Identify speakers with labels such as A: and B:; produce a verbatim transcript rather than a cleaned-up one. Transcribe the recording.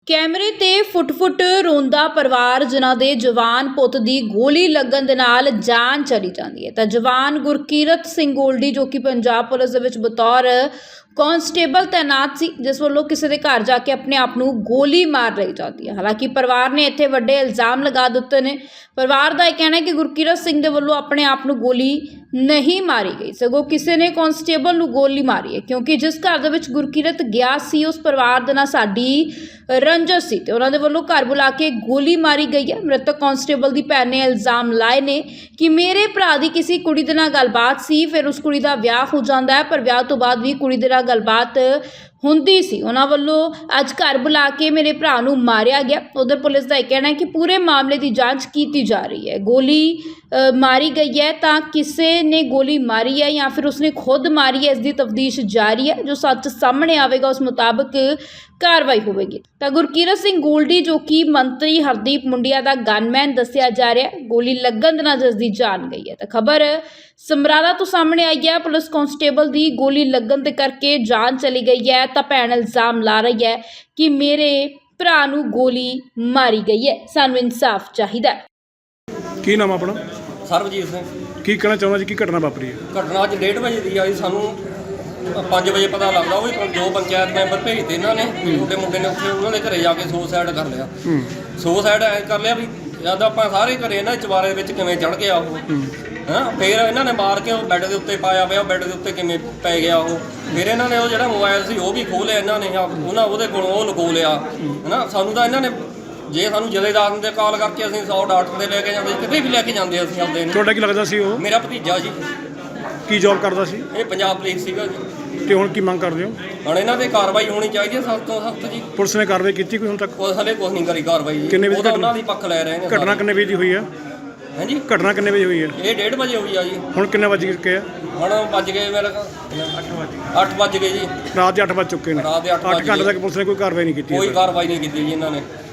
A: ਕੈਮਰੇ ਤੇ ਫੁੱਟ-ਫੁੱਟ ਰੋਂਦਾ ਪਰਿਵਾਰ ਜਿਨ੍ਹਾਂ ਦੇ ਜਵਾਨ ਪੁੱਤ ਦੀ ਗੋਲੀ ਲੱਗਣ ਦੇ ਨਾਲ ਜਾਨ ਚਲੀ ਜਾਂਦੀ ਹੈ। ਤਾਂ ਜਵਾਨ ਗੁਰਕੀਰਤ ਸਿੰਘ ਗੋਲਡੀ ਜੋ ਕਿ ਪੰਜਾਬ ਪੁਲਿਸ ਦੇ ਵਿੱਚ ਬਤੌਰ ਕਾਂਸਟੇਬਲ ਤੈਨਾਤ ਸੀ, ਜਿਸ ਵੱਲੋਂ ਕਿਸੇ ਦੇ ਘਰ ਜਾ ਕੇ ਆਪਣੇ ਆਪ ਨੂੰ ਗੋਲੀ ਮਾਰ ਲਈ ਜਾਂਦੀ ਹੈ। ਹਾਲਾਂਕਿ ਪਰਿਵਾਰ ਨੇ ਇੱਥੇ ਵੱਡੇ ਇਲਜ਼ਾਮ ਲਗਾ ਦਿੱਤੇ ਨੇ। ਪਰਿਵਾਰ ਦਾ ਇਹ ਕਹਿਣਾ ਹੈ ਕਿ ਗੁਰਕੀਰਤ ਸਿੰਘ ਦੇ ਵੱਲੋਂ ਆਪਣੇ ਆਪ ਨੂੰ ਗੋਲੀ ਨਹੀਂ ਮਾਰੀ ਗਈ, ਸਗੋਂ ਕਿਸੇ ਨੇ ਕਾਂਸਟੇਬਲ ਨੂੰ ਗੋਲੀ ਮਾਰੀ ਹੈ, ਕਿਉਂਕਿ ਜਿਸ ਘਰ ਦੇ ਵਿੱਚ ਗੁਰਕੀਰਤ ਗਿਆ ਸੀ ਉਸ ਪਰਿਵਾਰ ਦੇ ਨਾਲ ਸਾਡੀ ਰੰਜਸ ਸੀ ਤੇ ਉਹਨਾਂ ਦੇ ਵੱਲੋਂ ਘਰ ਬੁਲਾ ਕੇ ਗੋਲੀ ਮਾਰੀ ਗਈ ਹੈ। ਮ੍ਰਿਤਕ ਕਾਂਸਟੇਬਲ ਦੀ ਭੈਣ ਨੇ ਇਲਜ਼ਾਮ ਲਾਏ ਨੇ ਕਿ ਮੇਰੇ ਭਰਾ ਦੀ ਕਿਸੇ ਕੁੜੀ ਦੇ ਨਾਲ ਗੱਲਬਾਤ ਸੀ, ਫਿਰ ਉਸ ਕੁੜੀ ਦਾ ਵਿਆਹ ਹੋ ਜਾਂਦਾ ਹੈ, ਪਰ ਵਿਆਹ ਤੋਂ ਬਾਅਦ ਵੀ ਕੁੜੀ ਦੇ ਨਾਲ ਗੱਲਬਾਤ ਹੁੰਦੀ ਸੀ। ਉਹਨਾਂ ਵੱਲੋਂ ਅੱਜ ਘਰ ਬੁਲਾ ਕੇ ਮੇਰੇ ਭਰਾ ਨੂੰ ਮਾਰਿਆ ਗਿਆ। ਉਧਰ ਪੁਲਿਸ ਦਾ ਇਹ ਕਹਿਣਾ ਹੈ ਕਿ ਪੂਰੇ ਮਾਮਲੇ ਦੀ ਜਾਂਚ ਕੀਤੀ ਜਾ ਰਹੀ ਹੈ। ਗੋਲੀ ਮਾਰੀ ਗਈ ਹੈ ਤਾਂ ਕਿਸੇ ਨੇ ਗੋਲੀ ਮਾਰੀ ਹੈ ਜਾਂ ਫਿਰ ਉਸਨੇ ਖੁਦ ਮਾਰੀ ਹੈ, ਇਸ ਦੀ ਤਫਤੀਸ਼ ਜਾਰੀ ਹੈ। ਜੋ ਸੱਚ ਸਾਹਮਣੇ ਆਵੇਗਾ ਉਸ ਮੁਤਾਬਕ ਕਾਰਵਾਈ ਹੋਵੇਗੀ। ਤਾਂ ਗੁਰਕੀਰਤ ਸਿੰਘ ਗੋਲਡੀ ਜੋ ਕਿ ਮੰਤਰੀ ਹਰਦੀਪ ਮੁੰਡਿਆ ਦਾ ਗਨਮੈਨ ਦੱਸਿਆ ਜਾ ਰਿਹਾ ਹੈ, ਗੋਲੀ ਲੱਗਣ ਦੇ ਨਾਲ ਜਿਸ ਦੀ ਜਾਨ ਗਈ ਹੈ। ਤਾਂ ਖਬਰ ਸਮਰਾਲਾ ਤੋਂ ਸਾਹਮਣੇ ਆਈ ਹੈ। ਪੁਲਿਸ ਕਾਂਸਟੇਬਲ ਦੀ ਗੋਲੀ ਲੱਗਣ ਦੇ ਕਰਕੇ ਜਾਨ ਚਲੀ ਗਈ ਹੈ ਤਾਂ ਭੈਣ ਇਲਜ਼ਾਮ ਲਾ ਰਹੀ ਹੈ ਕਿ ਮੇਰੇ ਭਰਾ ਨੂੰ ਗੋਲੀ ਮਾਰੀ ਗਈ ਹੈ, ਸਾਨੂੰ ਇਨਸਾਫ ਚਾਹੀਦਾ।
B: ਕੀ ਨਾਮ ਆਪਣਾ?
C: ਸਰਬਜੀਤ ਸਿੰਘ।
B: ਕੀ ਕਹਿਣਾ ਚਾਹੁੰਦਾ ਜੀ, ਕੀ ਘਟਨਾ ਵਾਪਰੀ ਹੈ?
C: ਘਟਨਾ ਅੱਜ ਡੇਢ ਵਜੇ ਦੀ ਆਈ, ਸਾਨੂੰ ਪੰਜ ਵਜੇ ਪਤਾ ਲੱਗਦਾ। ਉਹ ਜੋ ਪੰਚਾਇਤ ਮੈਂਬਰ ਭੇਜਦੇ ਇਹਨਾਂ ਨੇ, ਛੋਟੇ ਮੁੰਡੇ ਨੇ ਉੱਥੇ ਉਹਨਾਂ ਦੇ ਘਰੇ ਜਾ ਕੇ ਸੁਸਾਈਡ ਕਰ ਲਿਆ। ਸੁਸਾਈਡ ਐ ਕਰ ਲਿਆ ਵੀ ਜਦ ਆਪਾਂ ਸਾਰੇ ਘਰੇ ਇਹਨਾਂ ਦੇ ਚਵਾਰੇ ਵਿੱਚ ਕਿਵੇਂ ਚੜ ਗਿਆ ਉਹ, ਹਾਂ। ਫਿਰ ਇਹਨਾਂ ਨੇ ਮਾਰ ਕੇ ਉਹ ਬੈੱਡ ਦੇ ਉੱਤੇ ਪਾਇਆ ਪਿਆ, ਬੈੱਡ ਦੇ ਉੱਤੇ ਕਿਵੇਂ ਪੈ ਗਿਆ ਉਹ। ਫਿਰ ਇਹਨਾਂ ਨੇ ਉਹ ਜਿਹੜਾ ਮੋਬਾਈਲ ਸੀ ਉਹ ਵੀ ਖੋਹ ਲਿਆ ਇਹਨਾਂ ਨੇ, ਉਹਨਾਂ ਉਹਦੇ ਕੋਲੋਂ ਉਹ ਲੁਕੋ ਲਿਆ, ਹੈ ਨਾ। ਸਾਨੂੰ ਤਾਂ ਇਹਨਾਂ ਨੇ ਜੇ ਸਾਨੂੰ ਜਥੇਦਾਰ ਦੇ ਕਾਲ ਕਰਕੇ ਅਸੀਂ ਸੌ ਡਾਕਟਰ ਦੇ ਲੈ ਕੇ ਜਾਂਦੇ, ਕਿਤੇ ਵੀ ਲੈ ਕੇ ਜਾਂਦੇ ਅਸੀਂ ਆਪਦੇ ਨੂੰ।
B: ਤੁਹਾਡਾ ਕੀ ਲੱਗਦਾ ਸੀ ਉਹ?
C: ਮੇਰਾ ਭਤੀਜਾ ਜੀ।
B: ਕੀ ਜੌਬ ਕਰਦਾ ਸੀ?
C: ਇਹ ਪੰਜਾਬ ਪੁਲਿਸ ਸੀਗਾ ਜੀ।
B: ਤੇ ਹੁਣ ਕੀ ਮੰਗ ਕਰਦੇ ਹੋ?
C: ਹੁਣ ਇਹਨਾਂ ਤੇ ਕਾਰਵਾਈ ਹੋਣੀ ਚਾਹੀਦੀ ਹੈ ਸਖਤ ਤੋਂ ਸਖਤ ਜੀ।
B: ਪੁਲਿਸ ਨੇ ਕਾਰਵਾਈ ਕੀਤੀ ਕੋਈ ਹੁਣ ਤੱਕ?
C: ਉਹ ਹਲੇ ਕੁਛ ਨਹੀਂ ਕਰੀ ਕਾਰਵਾਈ ਜੀ।
B: ਕਿੰਨੇ ਵਜੇ
C: ਉਹ ਤਾਂ ਉਹਨਾਂ ਦੀ ਪੱਖ ਲੈ ਰਹੇ ਨੇ।
B: ਘਟਨਾ ਕਿੰਨੇ ਵਜੇ ਦੀ ਹੋਈ ਹੈ?
C: ਹਾਂਜੀ,
B: ਘਟਨਾ ਕਿੰਨੇ ਵਜੇ ਹੋਈ ਹੈ?
C: ਇਹ ਡੇਢ ਵਜੇ ਹੋਈ ਆ ਜੀ।
B: ਹੁਣ ਕਿੰਨੇ ਵੱਜ ਗਏ ਆ?
C: ਹੁਣ ਵੱਜ ਗਏ ਮੇਰੇ ਅੱਠ ਵੱਜ ਗਏ ਜੀ।
B: ਰਾਤ ਦੇ ਅੱਠ ਵੱਜ ਚੁੱਕੇ ਨੇ।
C: ਰਾਤ ਦੇ ਅੱਠ ਵੱਜ
B: ਅੱਠ ਘੰਟੇ
C: ਗਏ।
B: ਤੱਕ ਪੁਲਿਸ ਨੇ ਕੋਈ ਕਾਰਵਾਈ ਨਹੀਂ ਕੀਤੀ?
C: ਕੋਈ ਕਾਰਵਾਈ ਨਹੀਂ ਕੀਤੀ ਜੀ ਇਹਨਾਂ ਨੇ।